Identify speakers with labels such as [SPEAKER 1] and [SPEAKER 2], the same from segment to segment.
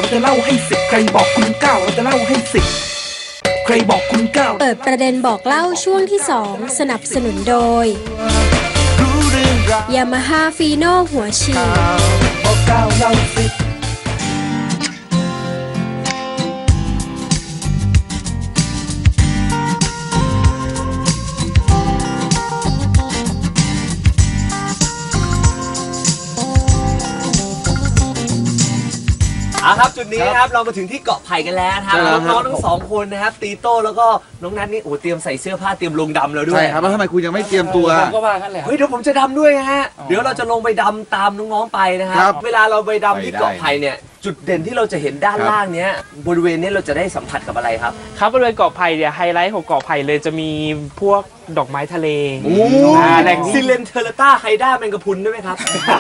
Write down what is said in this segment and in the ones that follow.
[SPEAKER 1] จะเล่าให้สิบใครบอกคุณเก้าเราจะเล่าให้สิบใครบอกคุณเก้า
[SPEAKER 2] เปิดประเด็นบอกเล่าช่วงที่ 2 สนับสนุนโดย Yamaha Fino หัวฉีด
[SPEAKER 1] บอกเก้าเล่าสิบ
[SPEAKER 3] ครับจุดนี้นะครับเรามาถึงที่เกาะไผ่กันแล้วครับน้องๆทั้งสองคนนะครับตีโต้แล้วก็น้องนัทนี่โอ้เตรียมใส่เสื้อผ้าเตรียมลงดำแล้วด้วย
[SPEAKER 4] ใช่ครับแล้วทำไมคุณยังไม่เตรียมตัว
[SPEAKER 5] ผมก็ว่ากันแหละ
[SPEAKER 3] เฮ้ยเดี๋ยวผมจะดำด้วยฮะเดี๋ยวเราจะลงไปดำตามน้องๆไปนะครับเวลาเราไปดำที่เกาะไผ่เนี่ยจุดเด่นที่เราจะเห็นด้านล่างเนี้ยบริเวณนี้เราจะได้สัมผัสกับอะไรครับ
[SPEAKER 5] ครับบริเวณเกาะไผ่เนี่ยไฮไลท์ของเกาะไผ่เลยจะมีพวกดอกไม้ทะเล
[SPEAKER 3] แหล่งซิเลนเทอร์ต้าไฮด้าแมงกะพรุนด้วยไหมครับ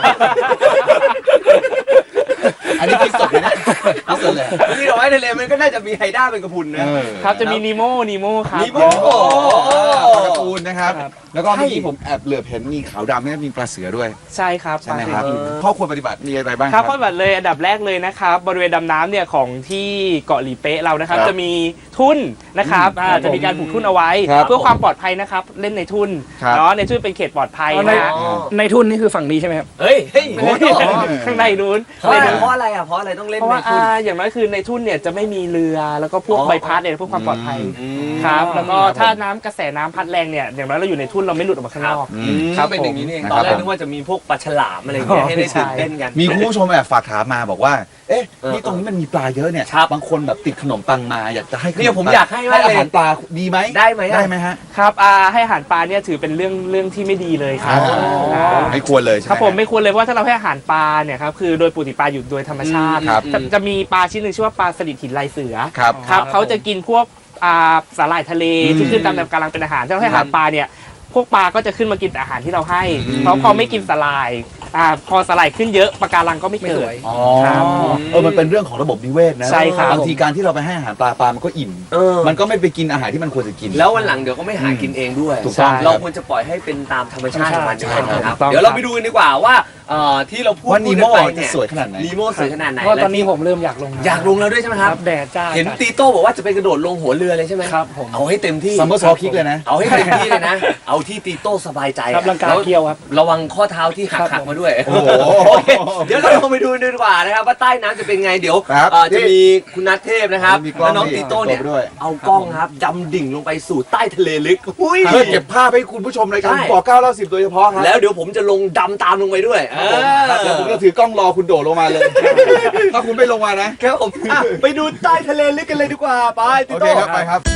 [SPEAKER 4] อันนี้คิดสดเลยนะคิดสดเลย
[SPEAKER 3] นี่ดอกไม้ทะเลมันก็น่าจะมีไฮด้าแมงกะพรุนนะครับ
[SPEAKER 5] จะมีนีโมครับ
[SPEAKER 3] นีโม
[SPEAKER 4] การ์ตูนนะครับแล้วก็เมื่อกี้ผมแอบเหลือบเห็นมีขาวดำนี่มีปลาเสือด้วย
[SPEAKER 5] ใช่ครับ
[SPEAKER 4] ใช่ไหมครับข้อควรปฏิบัติมีอะไรบ้าง
[SPEAKER 5] ครับข้อปฏิบัติเลยอันดับแรกเลยนะครับบริเวณดำน้ำเนี่ยของที่เกาะหลีเป๊ะเรานะครับจะมีทุ่นนะครับจะมีการผูกทุ่นเอาไว้เพื่อความปลอดภัยนะครับเล่นในทุ่นเนาะในทุ่นเป็นเขตปลอดภัยนะ
[SPEAKER 6] ในทุ่นนี่คือฝั่งนี้ใช่ไหมครับ
[SPEAKER 3] เฮ้ย
[SPEAKER 5] ข้างในนู้น
[SPEAKER 3] เพราะอะไรอ่ะเพราะอะไรต้องเล่น
[SPEAKER 5] ในทุ่นอย่างน้อยคือในทุ่นเนี่ยจะไม่มีเรือแล้วก็พวกใบพัดเนี่ยเพื่อความปลอดภัยครับแล้วก็ถ้าน้ำกระแสน้ำพัดแรงเนี่ยอย่างน้อยเราอยู่ในทุ่นเราไม่หลุดออกมาข้างนอก
[SPEAKER 3] ครับเป็นอย่างนี้นี่เองตอนแรกนึกว่าจะมีพวกปลาฉลามอะไรอย่างเงี้ยให้ได้ตื่นเต้นกัน
[SPEAKER 4] มีคุณผู้ชมแอบฝากถามมาบอกว่าเอ๊ะนี่ตรงนี้มันมีปลาเยอะเนี่ยบางคนแบบติดขนมปังมาอยากจะให้
[SPEAKER 3] เนี่ยผมอยากให้
[SPEAKER 4] อาหารปลาดีไหม
[SPEAKER 3] ได้ไหม
[SPEAKER 4] ฮะ
[SPEAKER 5] ครับให้อาหารปลาเนี่ยถือเป็นเรื่องที่ไม่ดีเลยครับ
[SPEAKER 4] ไม่ควรเลย
[SPEAKER 5] ครับผมไม่ควรเลยเพราะถ้าเราให้อาหารปลาเนี่ยครับคือโดยปกติปลาอยู่โดยธรรมชาติจะมีปลาชนิดหนึ่งชื่อว่าปลาสลิดหินลายเสือครับเขาจะกินพวกสาหร่ายทะเลที่ขึ้นตามแนวกำลังเป็นอาหารถ้าเราให้อาหารปลาเนี่ยพวกปลาก็จะขึ้นมากินอาหารที่เราให้เพราะพอไม่กินสาหร่ายพอสาหร่ายขึ้นเยอะปะการังก็ไม่เกิด
[SPEAKER 4] ครับมันเป็นเรื่องของระบบนิเวศนะ
[SPEAKER 5] ใช่ครับ
[SPEAKER 4] บางทีการที่เราไปให้อาหารปลามันก็อิ่มมันก็ไม่ไปกินอาหารที่มันควรจะกิน
[SPEAKER 3] แล้ววันหลังเดี๋ยวก็ไม่หากินเองด้วย
[SPEAKER 4] ถูกต้อง
[SPEAKER 3] เราควรจะปล่อยให้เป็นตามธรรมชาติของมันนะครับเดี๋ยวเราไปดูกันดีกว่าว่าที่เราพูด
[SPEAKER 4] ว่านีโม่จะสวยขนาดไหน
[SPEAKER 3] นีโม่สวยขนาดไหน
[SPEAKER 6] เพราะตอนนี้ผมเริ่มอยากลง
[SPEAKER 3] แล้วด้วยใช่ไหมครับ
[SPEAKER 6] แดดจ้า
[SPEAKER 3] เห็นตีโต้บอกว่าจะไปกระโดดลงหัวเรือเลยใช่ไหม
[SPEAKER 6] ครับผม
[SPEAKER 3] เอาให้เต็มที่
[SPEAKER 4] ซัมเมอร์ซอคิกเลยนะ
[SPEAKER 3] เอาให้เต็มที่เลยนะเอาที่ตีโต้สบายใจ
[SPEAKER 6] ครับร่างกายเกี่ยวครับ
[SPEAKER 3] ระวังข้อเท้าที่หักมาด้วยโอเคเดี๋ยวเราลงไปดูดีกว่านะครับว่าใต้น้ำจะเป็นไงเดี๋ยวจะมีคุณนัทเทพนะครับและน้องตีโต้เนี่ยเอากล้องครับดำดิ่งลงไปสู่ใต้ทะเลลึก
[SPEAKER 4] เพื่อเก็บภาพให้คุณผู้ชมในการบอก9 เล่า 10โดยเฉพาะครับ
[SPEAKER 3] แล้วเดี๋ยวผมจะลงดำตามลงไปด้วย
[SPEAKER 4] เดี๋ยวผมจะถือกล้องรอคุณโดดลงมาเลยถ้าคุณไม่ลงมานะครับ
[SPEAKER 3] ผมไปดูใต้ทะเลลึกกันเลยดีกว่าไปตีโต้
[SPEAKER 4] ครับไปครับ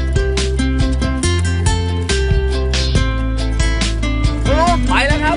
[SPEAKER 3] ไปแล้วครับ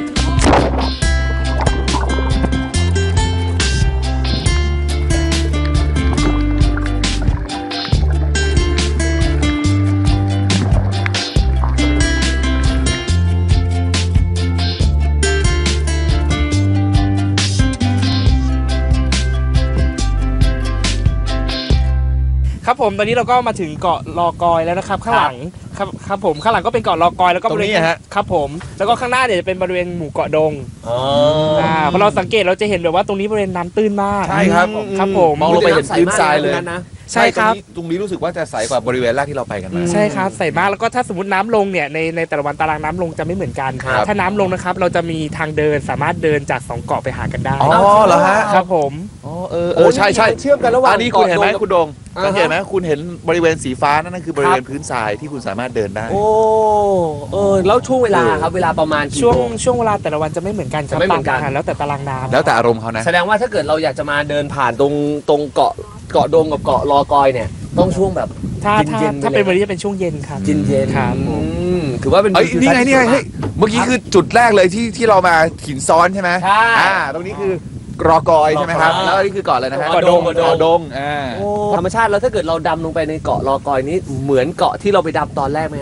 [SPEAKER 5] ครับผมตอนนี้เราก็มาถึงเกาะลอกอยแล้วนะครับข้างหลังครับผมข้างหลังก็เป็นเกาะลอกอยแล้วก็บริเวณครับผมแล้วก็ข้างหน้าเนี่ยจะเป็นบริเวณหมู่เกาะดงพอเราสังเกตเราจะเห็นแบบว่าตรงนี้บริเวณน้ำตื้นมาก
[SPEAKER 4] ใช่ครับ
[SPEAKER 5] ครับผม
[SPEAKER 4] มองลงไปเห็นพื้นทรายเลย
[SPEAKER 5] ใช่ครับ
[SPEAKER 4] ตรงนี้รู้สึกว่าจะใสกว่าบริเวณแรกที่เราไปกันมา
[SPEAKER 5] ใช่ครับใสมากแล้วก็ถ้าสมมติน้ำลงเนี่ยในแต่ละวันตารางน้ำลงจะไม่เหมือนกันถ้าน้ำลงนะครับเราจะมีทางเดินสามารถเดินจาก2เกาะไปหากันได้
[SPEAKER 4] อ๋อเหรอฮะ
[SPEAKER 5] ครับผม
[SPEAKER 4] ใช่
[SPEAKER 3] เชื่อมกันระหว่าง
[SPEAKER 4] อันนี้คุณเห็นไหมคุณดงสังเกตไหมคุณเห็นบริเวณสีฟ้านั่นคือบริเวณพื้นทรายที่คุณสามารถเดินได้
[SPEAKER 3] แล้วช่วงเวลาครับเวลาประมาณ
[SPEAKER 5] ช่วงเวลาแต่ละวันจะไม่เหมือนกัน
[SPEAKER 3] จะไม่เหมือนกัน
[SPEAKER 5] แล้วแต่ตารางน้ำ
[SPEAKER 4] แล้วแต่อารมณ์เขานะ
[SPEAKER 3] แสดงว่าถ้าเกิดเราอยากจะมาเดินผ่านตรงเกาะดงกับเกาะลอกอยเนี่ยต้องช่วงแบบ
[SPEAKER 5] ถ้าเป็นวันนี้จะเป็นช่วงเย็นครับ
[SPEAKER 3] เย็น
[SPEAKER 5] ครับ
[SPEAKER 3] ถือว่าเป็น
[SPEAKER 4] นี่ไงเมื่อกี้คือจุดแรกเลยที่เรามาหินซ้อนใช่ไหม
[SPEAKER 3] ใช่
[SPEAKER 4] ตรงนี้คือรอกอยใช่ไหมครับแล้วนี่คือเกาะอะไรนะฮะ
[SPEAKER 3] เกาะดง
[SPEAKER 4] ธ
[SPEAKER 3] รรมชาติแล้วถ้าเกิดเราดำลงไปในเกาะลอกอยนี้เหมือนเกาะที่เราไปดำตอนแรกไหมฮะ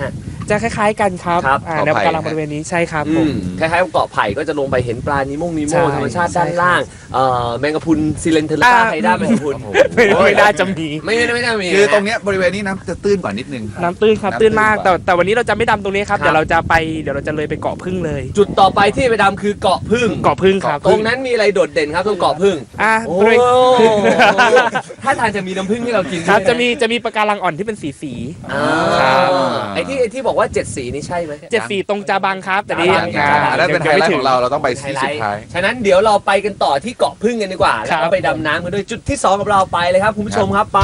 [SPEAKER 5] จะคล้ายๆกันครับ
[SPEAKER 3] ครับ
[SPEAKER 5] แนวปะการังบริเวณนี้ใช่ครับผม
[SPEAKER 3] คล้ายๆกับเกาะไผ่ก็จะลงไปเห็นปลานิโมงนิโม
[SPEAKER 5] ใช่
[SPEAKER 3] ธรรมชาติด้าน
[SPEAKER 5] ใช่ครับ
[SPEAKER 3] ล่างแมงกะพรุนซิเลนเทอร์ล่าไฮด้าแมงกะพรุน
[SPEAKER 5] ไม่น่าจะมี
[SPEAKER 3] ไม่น่ามี
[SPEAKER 4] คือตรงเนี้ยบริเวณนี้น้ำจะตื้นกว่านิดนึง
[SPEAKER 5] น้ำตื้นครับ
[SPEAKER 4] น้ำตื้
[SPEAKER 5] ตื้
[SPEAKER 4] น
[SPEAKER 5] นมาก
[SPEAKER 4] กว่า
[SPEAKER 5] แต่วันนี้เราจะไม่ดำตรงนี้ครับ
[SPEAKER 3] ครับ
[SPEAKER 5] เดี๋ยวเราจะเลยไปเกาะพึ่งเลย
[SPEAKER 3] จุดต่อไปที่ไปดำคือเกาะพึ่ง
[SPEAKER 5] เกาะพึ่งครับ
[SPEAKER 3] ตรงนั้นมีอะไรโดดเด่นครับตรงเกาะพึ่ง โอ้
[SPEAKER 5] บริเวณ
[SPEAKER 3] ถ้าทานจะมีน้ำผึ้งให้เรากิน
[SPEAKER 5] ครับ
[SPEAKER 3] ด้วยน
[SPEAKER 5] จะมีปะการังอ่อนที่เป็นสี
[SPEAKER 3] อ่า
[SPEAKER 5] ครับ
[SPEAKER 3] ไอ้ที่บอกว่า7สีนี่ใช่ไหม
[SPEAKER 5] เจ็ดสีตรงจาบังครับ แต่นี่
[SPEAKER 4] อันนั้นเป็นไฮไลท์ของเราเราต้องไปที่สุดท้าย
[SPEAKER 3] ฉะนั้นเดี๋ยวเราไปกันต่อที่เกาะพึ่งกันดีกว่า แล้วก็ไปดำน้ำกันด้วยจุดที่ 2 กับเราไปเลยครับคุณผู้ชมครับไป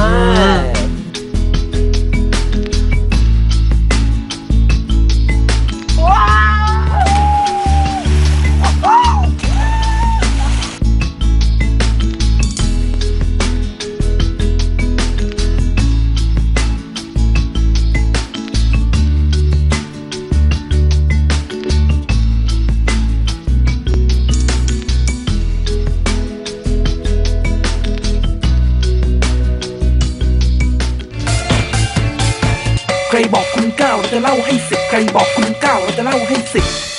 [SPEAKER 1] ใครบอกคุณ9เราจะเล่าให้10ใครบอกคุณ9เราจะเล่าให้10